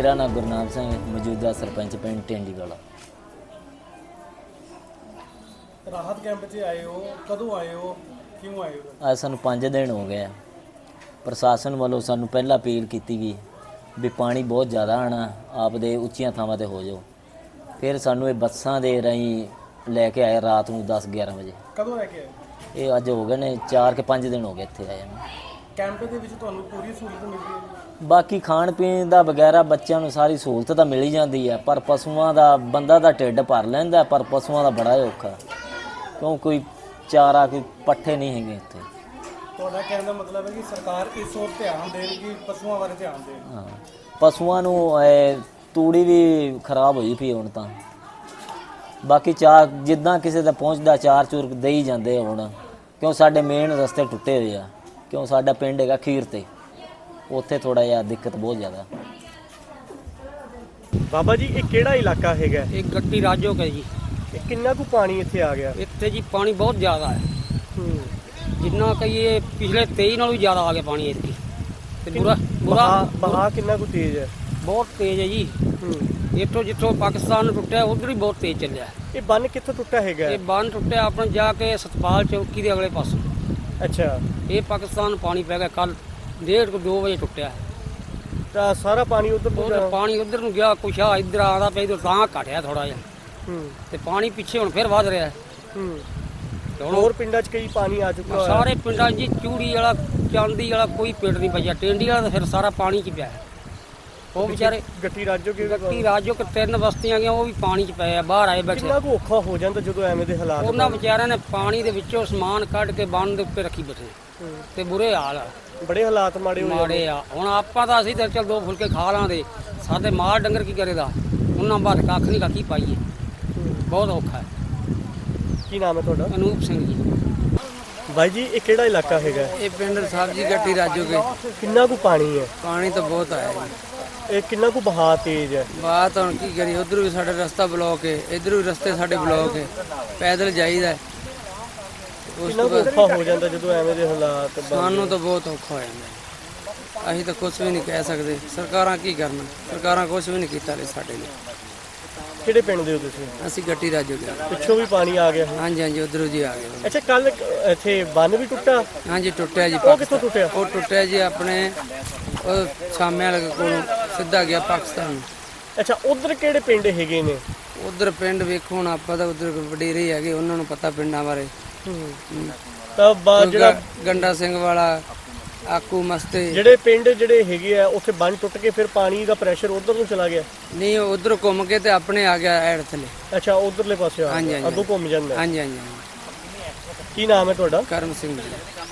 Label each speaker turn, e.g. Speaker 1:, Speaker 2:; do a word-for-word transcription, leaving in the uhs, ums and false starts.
Speaker 1: मेरा नाम गुरनाम सिंह, मौजूदा सरपंच पिंड टेंडी वाला।
Speaker 2: राहत कैंप च आए हो, कदों आए हो, क्यों आए हो?
Speaker 1: ਅੱਜ ਸਾਨੂੰ ਪੰਜ ਦਿਨ ਹੋ ਗਏ ਆ। ਪ੍ਰਸ਼ਾਸਨ ਵੱਲੋਂ ਸਾਨੂੰ ਪਹਿਲਾਂ ਅਪੀਲ ਕੀਤੀ ਗਈ ਵੀ ਪਾਣੀ ਬਹੁਤ ਜ਼ਿਆਦਾ ਆਣਾ, ਆਪਦੇ ਉੱਚੀਆਂ ਥਾਵਾਂ ਤੇ ਹੋ ਜਾਓ। ਫਿਰ ਸਾਨੂੰ ਇਹ ਬੱਸਾਂ ਦੇ ਰਾਹੀਂ ਲੈ ਕੇ ਆਏ ਰਾਤ ਨੂੰ ਦਸ ਗਿਆਰਾਂ ਵਜੇ।
Speaker 2: ਕਦੋਂ ਲੈ ਕੇ ਆਏ?
Speaker 1: ਇਹ ਅੱਜ ਹੋ ਗਏ ਨੇ ਚਾਰ ਕੇ ਪੰਜ ਦਿਨ ਹੋ ਗਏ ਇੱਥੇ ਆਏ ਨੂੰ।
Speaker 2: ਕੈਂਪ ਦੇ ਵਿੱਚ ਤੁਹਾਨੂੰ ਪੂਰੀ ਸਹੂਲਤ ਮਿਲਦੀ ਹੈ?
Speaker 1: ਬਾਕੀ ਖਾਣ ਪੀਣ ਦਾ ਵਗੈਰਾ ਬੱਚਿਆਂ ਨੂੰ ਸਾਰੀ ਸਹੂਲਤ ਤਾਂ ਮਿਲ ਹੀ ਜਾਂਦੀ ਹੈ, ਪਰ ਪਸ਼ੂਆਂ ਦਾ ਬੰਦਾ ਦਾ ਢਿੱਡ ਭਰ ਲੈਂਦਾ, ਪਰ ਪਸ਼ੂਆਂ ਦਾ ਬੜਾ ਔਖਾ, ਕਿਉਂ ਕੋਈ ਚਾਰਾ ਕੋਈ ਪੱਠੇ ਨਹੀਂ ਹੈਗੇ ਇੱਥੇ।
Speaker 2: ਤੁਹਾਡਾ ਕਹਿਣ ਦਾ ਮਤਲਬ ਹੈ ਕਿ ਸਰਕਾਰ ਇਸ ओर ਧਿਆਨ ਦੇਣ ਕਿ ਪਸ਼ੂਆਂ ਬਾਰੇ ਧਿਆਨ ਦੇਣ।
Speaker 1: ਹਾਂ, ਪਸ਼ੂਆਂ ਨੂੰ ਇਹ ਤੂੜੀ ਵੀ ਖਰਾਬ ਹੋਈ ਪਈ ਹੁਣ ਤਾਂ। ਬਾਕੀ ਚਾਰ ਜਿੱਦਾਂ ਕਿਸੇ ਦਾ ਪਹੁੰਚਦਾ ਚਾਰ ਚੂਰ ਦੇ ਹੀ ਜਾਂਦੇ ਹੁਣ, ਕਿਉਂ ਸਾਡੇ ਮੇਨ ਰਸਤੇ ਟੁੱਟੇ ਹੋਏ ਆ, ਕਿਉਂ ਸਾਡਾ ਪਿੰਡ ਹੈਗਾ ਖੀਰ ਤੇ, ਉੱਥੇ ਥੋੜਾ ਜਿਹਾ ਦਿੱਕਤ ਬਹੁਤ ਜ਼ਿਆਦਾ।
Speaker 2: ਬਾਬਾ ਜੀ ਇਹ ਕਿਹੜਾ ਇਲਾਕਾ ਹੈਗਾ?
Speaker 3: ਇਹ ਗੱਟੀ ਰਾਜੋ ਕੇ ਜੀ।
Speaker 2: ਇਹ ਕਿੰਨਾ ਕੁ ਪਾਣੀ ਇੱਥੇ ਆ ਗਿਆ?
Speaker 3: ਇੱਥੇ ਜੀ ਪਾਣੀ ਬਹੁਤ ਜ਼ਿਆਦਾ ਹੈ, ਜਿੰਨਾ ਕਹੀਏ ਪਿਛਲੇ ਤੇਈ ਨਾਲੋਂ ਵੀ ਜ਼ਿਆਦਾ ਆ ਗਿਆ ਪਾਣੀ ਇੱਥੇ। ਤੇ ਬੁਰਾ ਬੁਰਾ
Speaker 2: ਬਹਾ ਕਿੰਨਾ ਕੁ ਤੇਜ਼ ਹੈ?
Speaker 3: ਬਹੁਤ ਤੇਜ਼ ਹੈ ਜੀ। ਇੱਥੋਂ ਜਿੱਥੋਂ ਪਾਕਿਸਤਾਨ ਟੁੱਟਿਆ ਉਧਰ ਹੀ ਬਹੁਤ ਤੇਜ਼ ਚੱਲਿਆ।
Speaker 2: ਇਹ ਬੰਨ ਕਿੱਥੋਂ ਟੁੱਟਾ ਹੈਗਾ?
Speaker 3: ਇਹ ਬੰਨ ਟੁੱਟਿਆ ਆਪਣਾ ਜਾ ਕੇ ਸਤਪਾਲ ਚੌਕੀ ਦੇ ਅਗਲੇ ਪਾਸੇ।
Speaker 2: ਅੱਛਾ,
Speaker 3: ਇਹ ਪਾਕਿਸਤਾਨ ਨੂੰ ਪਾਣੀ ਪੈ ਗਿਆ ਕੱਲ ਡੇਢ ਕੁ ਦੋ ਵਜੇ ਟੁੱਟਿਆ।
Speaker 2: ਤਾਂ ਸਾਰਾ ਪਾਣੀ ਉਧਰ
Speaker 3: ਉਧਰ ਪਾਣੀ ਉਧਰ ਨੂੰ ਗਿਆ, ਕੁਛ ਆ ਇੱਧਰ ਆਉਂਦਾ ਪਿਆ, ਇੱਧਰ ਤਾਂ ਘਟਿਆ ਥੋੜਾ ਜਿਹਾ। ਤੇ ਪਾਣੀ ਪਿੱਛੇ ਹੁਣ ਫਿਰ ਵੱਧ ਰਿਹਾ।
Speaker 2: ਹੋਰ ਪਿੰਡਾਂ 'ਚ ਕਈ ਪਾਣੀ ਆ ਚੁੱਕਾ ਹੈ।
Speaker 3: ਸਾਰੇ ਪਿੰਡਾਂ 'ਚ ਚੂੜੀ ਵਾਲਾ ਚਾਂਦੀ ਵਾਲਾ ਕੋਈ ਪਿੰਡ ਨਹੀਂ ਬਚਿਆ। ਟੇਂਡੀ ਵਾਲਾ ਤਾਂ ਫਿਰ ਸਾਰਾ ਪਾਣੀ 'ਚ ਪਿਆ। ਉਹ ਵਿਚਾਰੇ
Speaker 2: ਗੱਟੀ ਰਾਜੋ ਕੇ
Speaker 3: ਗੱਟੀ ਰਾਜੋ ਕਿ ਤਿੰਨ ਬਸਤੀਆਂ ਗਈਆਂ, ਉਹ ਵੀ ਪਾਣੀ 'ਚ ਪਏ ਆ, ਬਾਹਰ ਆਏ ਬੈਠੇ।
Speaker 2: ਕਿੰਨਾ ਕੁ ਔਖਾ ਹੋ ਜਾਂਦਾ ਜਦੋਂ ਐਵੇਂ ਦੇ ਹਾਲਾਤ?
Speaker 3: ਉਹਨਾਂ ਵਿਚਾਰਿਆਂ ਨੇ ਪਾਣੀ ਦੇ ਵਿੱਚੋਂ ਸਮਾਨ ਕੱਢ ਕੇ ਬੰਨ ਦੇ ਉੱਤੇ ਰੱਖੀ ਬੈਠੇ ਤੇ ਬੁਰੇ ਹਾਲ ਆ,
Speaker 2: ਬੜੇ ਹਾਲਾਤ ਮਾੜੇ ਹੋ
Speaker 3: ਮਾੜੇ ਆ। ਹੁਣ ਆਪਾਂ ਤਾਂ ਅਸੀਂ ਤਾਂ ਚੱਲ ਦੋ ਫੁਲਕੇ ਖਾ ਲਾਂਦੇ, ਸਾਡੇ ਮਾਲ ਡੰਗਰ ਕੀ ਕਰੇਗਾ? ਉਹਨਾਂ ਬਾਹਰ ਕੱਖ ਨਹੀਂ ਕੀ ਪਾਈਏ, ਬਹੁਤ ਔਖਾ ਹੈ।
Speaker 2: ਕੀ ਨਾਮ ਹੈ ਤੁਹਾਡਾ?
Speaker 3: ਅਨੂਪ ਸਿੰਘ ਜੀ।
Speaker 2: ਭਾਈ ਜੀ ਇਹ ਕਿਹੜਾ ਇਲਾਕਾ ਹੈਗਾ?
Speaker 3: ਇਹ ਪਿੰਡ ਸਬਜ਼ੀ ਗੱਟੀ ਰਾਜੋ ਕੇ।
Speaker 2: ਕਿੰਨਾ ਕੁ ਪਾਣੀ ਹੈ?
Speaker 3: ਪਾਣੀ ਤਾਂ ਬਹੁਤ ਆਇਆ ਜੀ।
Speaker 2: ਇਹ ਕਿੰਨਾ ਕੁ ਬਹਾ ਤੇਜ਼ ਹੈ?
Speaker 3: ਬਾਤ ਹੁਣ ਕੀ ਕਰੀਏ, ਉਧਰ ਵੀ ਸਾਡੇ ਰਸਤਾ ਬਲੌਕ ਹੈ, ਇੱਧਰ ਵੀ ਰਸਤੇ ਸਾਡੇ ਬਲੌਕ ਹੈ, ਪੈਦਲ ਜਾਈਦਾ।
Speaker 2: ਕਿੰਨਾ ਕੁ ਔਖਾ ਹੋ ਜਾਂਦਾ ਜਦੋਂ ਐਵੇਂ ਦੇ ਹਾਲਾਤ?
Speaker 3: ਸਾਨੂੰ ਤਾਂ ਬਹੁਤ ਔਖਾ ਹੋ ਜਾਂਦਾ। ਅਸੀਂ ਤਾਂ ਕੁਝ ਵੀ ਨਹੀਂ ਕਹਿ ਸਕਦੇ। ਸਰਕਾਰਾਂ ਕੀ ਕਰਨ? ਸਰਕਾਰਾਂ ਕੁਝ ਵੀ ਨਹੀਂ ਕੀਤਾ ਲੈ ਸਾਡੇ ਲਈ।
Speaker 2: ਕਿਹੜੇ ਪਿੰਡ ਦੇ ਹੋ ਤੁਸੀਂ?
Speaker 3: ਅਸੀਂ ਗੱਟੀ ਰਾਜੋ ਗਏ।
Speaker 2: ਪਿੱਛੋਂ ਵੀ ਪਾਣੀ ਆ ਗਿਆ?
Speaker 3: ਹਾਂਜੀ ਹਾਂਜੀ, ਉਧਰੋਂ ਜੀ ਆ ਗਏ।
Speaker 2: ਅੱਛਾ, ਕੱਲ ਇੱਥੇ ਬੰਨ ਵੀ ਟੁੱਟਾ?
Speaker 3: ਹਾਂਜੀ ਟੁੱਟਿਆ ਜੀ।
Speaker 2: ਉਹ ਕਿੱਥੋਂ ਟੁੱਟਿਆ?
Speaker 3: ਉਹ ਟੁੱਟਿਆ ਜੀ ਆਪਣੇ ਉਹ ਛਾਮੇ ਵਾਲੇ ਕੋਲੋਂ ਸਿੱਧਾ ਗਿਆ ਪਾਕਿਸਤਾਨ ਨੂੰ।
Speaker 2: ਅੱਛਾ, ਉਧਰ ਕਿਹੜੇ ਪਿੰਡ ਹੈਗੇ ਨੇ?
Speaker 3: ਉਧਰ ਪਿੰਡ ਵੇਖੋ ਹੁਣ, ਆਪਾਂ ਤਾਂ ਉਧਰ ਵਡੇਰੇ ਹੈਗੇ, ਉਹਨਾਂ ਨੂੰ ਪਤਾ ਪਿੰਡਾਂ ਬਾਰੇ।
Speaker 2: ਤਾਂ ਜਿਹੜਾ
Speaker 3: ਗੰਡਾ ਸਿੰਘ ਵਾਲਾ, ਆਕੂ ਮਸਤੇ,
Speaker 2: ਜਿਹੜੇ ਪਿੰਡ ਜਿਹੜੇ ਹੈਗੇ ਆ ਉੱਥੇ ਬੰਨ ਟੁੱਟ ਕੇ ਫਿਰ ਪਾਣੀ ਦਾ ਪ੍ਰੈਸ਼ਰ ਉਧਰ ਨੂੰ ਚਲਾ ਗਿਆ?
Speaker 3: ਨਹੀਂ, ਉਧਰ ਘੁੰਮ ਕੇ ਤੇ ਆਪਣੇ ਆ ਗਿਆ ਐਡ ਥੱਲੇ।
Speaker 2: ਅੱਛਾ, ਉਧਰਲੇ ਪਾਸੇ ਆ ਗਿਆ, ਅੱਗੋਂ ਘੁੰਮ ਜਾਂਦਾ।
Speaker 3: ਹਾਂਜੀ ਹਾਂਜੀ।
Speaker 2: ਕੀ ਨਾਮ ਹੈ ਤੁਹਾਡਾ?
Speaker 3: ਕਰਮ ਸਿੰਘ ਜੀ।